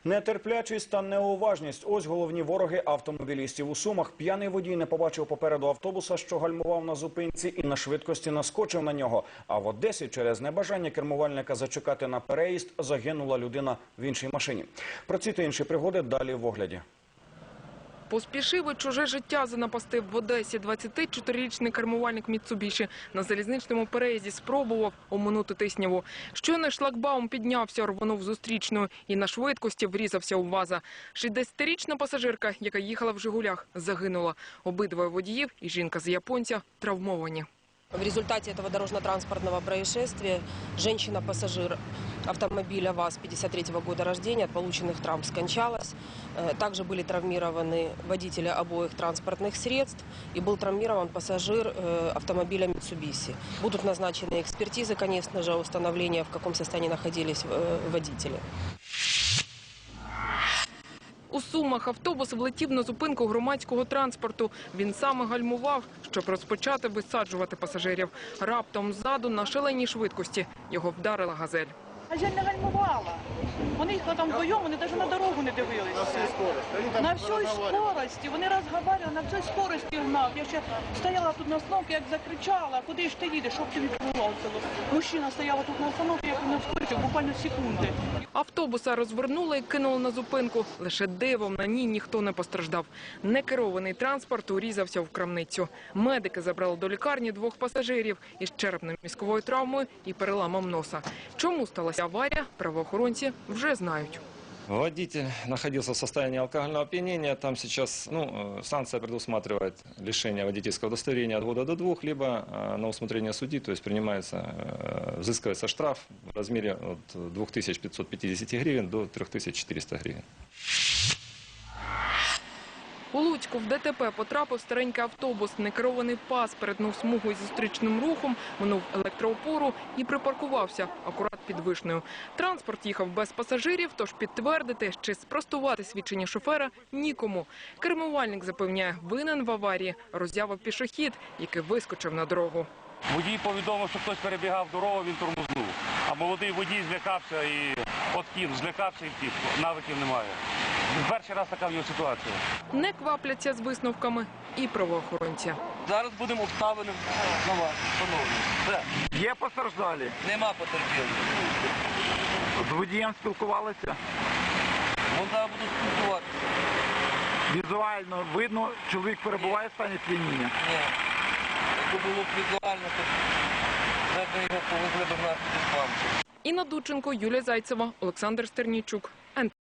Нетерплячість та неуважність – ось головні вороги автомобілістів у Сумах. П'яний водій не побачив попереду автобуса, що гальмував на зупинці, і на швидкості наскочив на нього. А в Одесі через небажання кермувальника зачекати на переїзд загинула людина в іншій машині. Про ці та інші пригоди далі в огляді. Поспішив і чуже життя занапастив в Одесі. 24-річний кермувальник Міцубіші на залізничному переїзді спробував оминути тисняву. Щойно шлагбаум піднявся, рвонув зустрічною і на швидкості врізався у ВАЗа. 60-річна пасажирка, яка їхала в «Жигулях», загинула. Обидвоє водіїв і жінка з японця травмовані. В результате этого дорожно-транспортного происшествия женщина-пассажир автомобиля ВАЗ 53-го года рождения от полученных травм скончалась. Также были травмированы водители обоих транспортных средств и был травмирован пассажир автомобиля Mitsubishi. Будут назначены экспертизы, конечно же, установления, в каком состоянии находились водители. У Сумах автобус влетів на зупинку громадського транспорту. Він саме гальмував, щоб розпочати висаджувати пасажирів. Раптом ззаду на шаленій швидкості його вдарила «Газель». «Газель» не гальмувала. Вони їхали там вдвоєм, вони навіть на дорогу не дивилися. На всій скорості. Вони розмовляли, на всій скорості гнав. Я ще стояла тут на остановці, як закричала, куди ж ти їдеш, щоб тобі відбувалося. Мужчина стояла тут на остановці, як він вскочив, буквально секунди. Автобуса розвернули і кинули на зупинку. Лише дивом на ній ніхто не постраждав. Некерований транспорт урізався в крамницю. Медики забрали до лікарні двох пасажирів із черепно-мозковою травмою і переламом носа. Чому сталася аварія, правоохоронці вже знають. Водитель находился в состоянии алкогольного опьянения. Там сейчас санкция предусматривает лишение водительского удостоверения от года до 2, либо на усмотрение судьи, то есть взыскивается штраф в размере от 2550 гривен до 3400 гривен. У Луцьку в ДТП потрапив старенький автобус. Некерований ПАЗ перетнув смугу із зустрічним рухом, минув електроопору і припаркувався акурат під Вишнею. Транспорт їхав без пасажирів, тож підтвердити чи спростувати свідчення шофера нікому. Кермувальник запевняє, винен в аварії роззявив пішохід, який вискочив на дорогу. Водій повідомив, що хтось перебігав дорогу, він тормознув. А молодий водій злякався і злякався і втік. Навиків немає. Перший раз така в нього ситуація. Не квапляться з висновками і правоохоронці. Зараз будемо обставини на вас, шановні. Є постраждалі? Нема потерпілих. З водієм спілкувалися? Вон зараз будуть спілкуватися. Візуально видно, чоловік перебуває в стані сп'яніння? Ні. Якби було б візуально, то вже б його повезли до нас під спам. Інна Дудченко, Юлія Зайцева, Олександр Стернійчук.